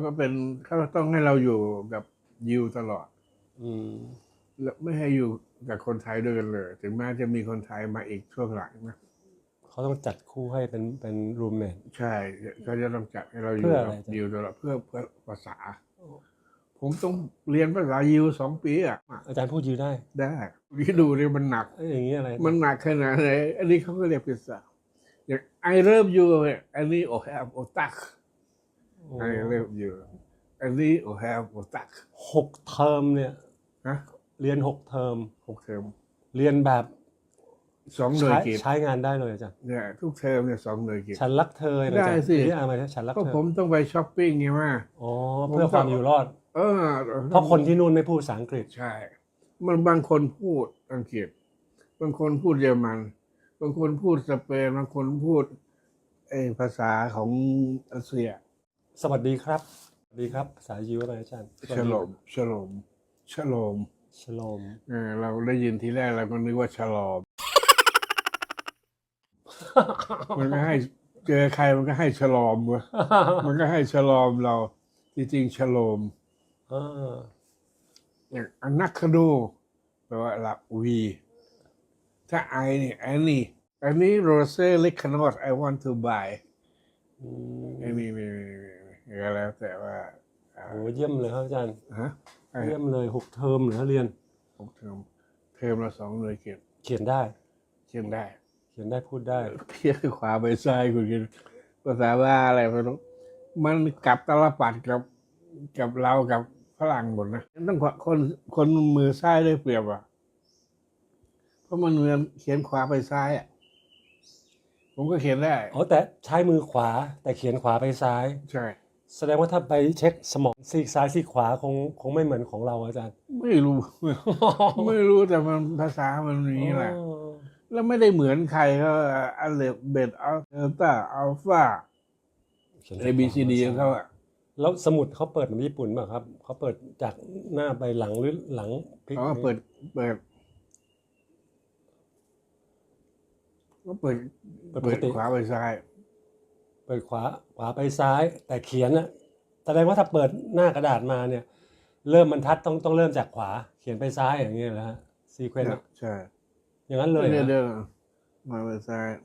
ก็เป็นเขาต้องให้เราอยู่กับยิวตลอด แล้วไม่ให้อยู่กับคนไทยด้วยกันเลย ถึงแม้จะมีคนไทยมาอีกช่วงหลังนะเขาต้องจัดคู่ให้เป็นรูมเมทใช่เขาจะต้องจัดให้เราอยู่กับยิวตลอดเพื่อภาษา ผมต้องเรียนภาษายิว2 ปีอ่ะอาจารย์พูดยิวได้ที่ดูเนี่ยมันหนักอย่างนี้อะไรมันหนักขนาดไหนอันนี้เขาก็เรียกภาษาอย่าง I love you อันนี้โอแฮมโอตัก I love you อันนี้โอแฮมโอตัก 6 เทอมเนี่ยเรียน6 เทอมเรียนแบบ 2 หน่วยกิจใช้งานได้เลยอาจารย์เนี่ยทุกเทอมเนี่ย2 หน่วยกิจฉันรักเธอได้สิที่อะไรฉันรักเธอก็ผมต้องไปช้อปปิ้งไงว่าเพื่อความอยู่รอดเพราะคนที่นู่นไม่พูดภาษาอังกฤษใช่มันบางคนพูดอังกฤษบางคนพูดเยอรมันบางคนพูดสเปนบางคนพูดภาษาของรัสเซียสวัสดีครับสวัสดีครับภาษายิวอะไรอาจารย์ชโลมเราได้ยินทีแรกเราก็นึกว่าฉลอมมันก็ให้เจอใครมันก็ให้ฉลอมวะมันก็ให้ฉลอมเราจริงๆฉโลมอย่างอนักคดูแปลว่าหลับวีถ้าไอนี่อันนี้โรเซ่เล็กขนอด I want to buy อันนี้มีก็แล้วแต่ว่าโอ้เยี่ยมเลยครับอาจารย์เยี่ยมเลย6 เทอมเหรอเรียน 6 เทอมละ2 หน่วยกิจเขียนได้พูดได้เพี้ยขวาไปซ้ายคุณกินภาษาว่าอะไรไม่รู้มันกลับตลปัดกับเรากับฝรั่งหมดนะต้องคนมือซ้ายได้เปรียบอ่ะเพราะมันเหมือนเขียนขวาไปซ้ายอ่ะผมก็เขียนได้แต่ใช้มือขวาแต่เขียนขวาไปซ้ายใช่แสดงว่าถ้าไปเช็คสมองซีกซ้ายซีกขวาคงไม่เหมือนของเราอาจารย์ไม่รู้แต่มันภาษามันนี้แหละแล้วไม่ได้เหมือนใครก็อัลเลฟเบตอัลเดลต้าอัลฟาABCD ของเขาอะแล้วสมุดเขาเปิดเหมือนญี่ปุ่นป่ะครับเขาเปิดจากหน้าไปหลังหรือหลังพลิกเปิดขวาไปซ้ายเปิดขวาไปซ้ายแต่เขียนนะแสดงว่าถ้าเปิดหน้ากระดาษมาเนี่ยเริ่มบรรทัดต้องเริ่มจากขวาเขียนไปซ้ายอย่างเงี้ยนะฮะซีเควนต์ใช่อย่างนั้นเลยเดินมาไปซ้าย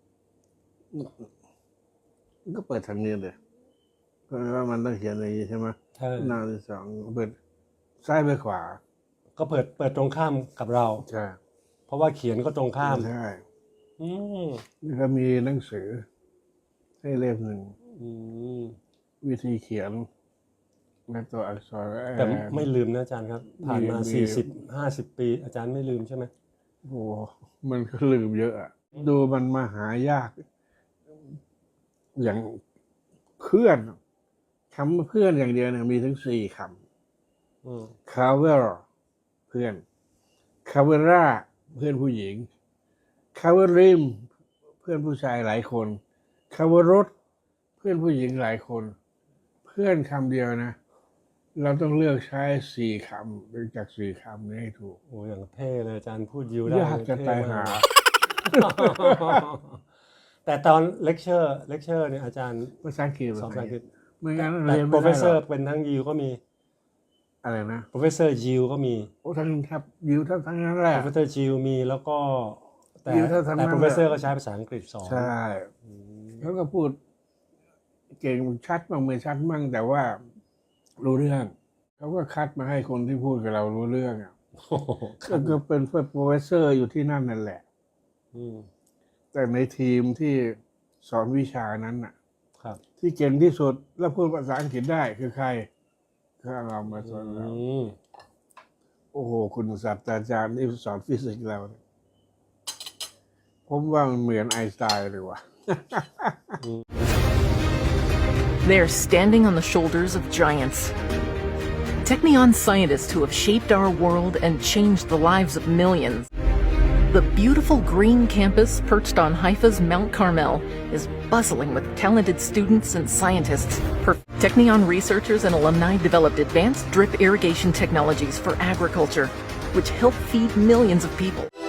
ก็เปิดทางนี้เลยเพราะว่ามันต้องเขียนอย่างนี้ใช่ไหมหน้าที่2เปิดซ้ายไปขวาก็เปิดตรงข้ามกับเราใช่เพราะว่าเขียนก็ตรงข้ามใช่นี่ก็มีหนังสือให้เล่มหนึ่งวิธีเขียนในตัวอักษรแต่ไม่ลืมนะอาจารย์ครับผ่านมา40-50 ปีอาจารย์ไม่ลืมใช่ไหมโอ้มันก็ลืมเยอะอะดูมันมาหายากอย่างเพื่อนคำเพื่อนอย่างเดียวเนี่ยมีถึง4 คำคาเวอร์เพื่อนคาเวราเพื่อนผู้หญิงคาเวริมเพื่อนผู้ชายหลายคนคาเวรถเพื่อนผู้หญิงหลายคนเพื่อนคำเดียวนะเราต้องเลือกใช้4 คำเป็นจาก4 คำนี้ให้ถูกโอ้อย่างเท่เลยอาจารย์พูดยิวได้ยากจะตายหาแต่ตอนเลคเชอร์เนี่ยอาจารย์ภาษาอังกฤษสอนภาษาอังกฤษไม่งั้นเรียนไม่ได้หรอก professor เป็นทั้งยิวก็มีอะไรนะ professor ยิวก็มีทั้งครับยิวทั้งนั้นแหละ professor ยิวมีแล้วก็แต่ professor ก็ใช้ภาษาอังกฤษสอนใช่เขาก็พูดเก่งชัดบ้างไม่ชัดบ้างแต่ว่ารู้เรื่องเขาก็คัดมาให้คนที่พูดกับเรารู้เรื่องอ่ะก็เป็นโปรเฟสเซอร์อยู่ที่นั่นแหละแต่ในทีมที่สอนวิชานั้นน่ะที่เก่งที่สุดและพูดภาษาอังกฤษได้คือใครก็เรามาสอนเราโอ้โหคุณศาสตราจารย์ที่สอนฟิสิกส์เราผมว่ามันเหมือนไอน์สไตน์เลยว่ะ They are standing on the shoulders of giants. Technion scientists who have shaped our world and changed the lives of millions. The beautiful green campus perched on Haifa's Mount Carmel is bustling with talented students and scientists. Technion researchers and alumni developed advanced drip irrigation technologies for agriculture, which help feed millions of people.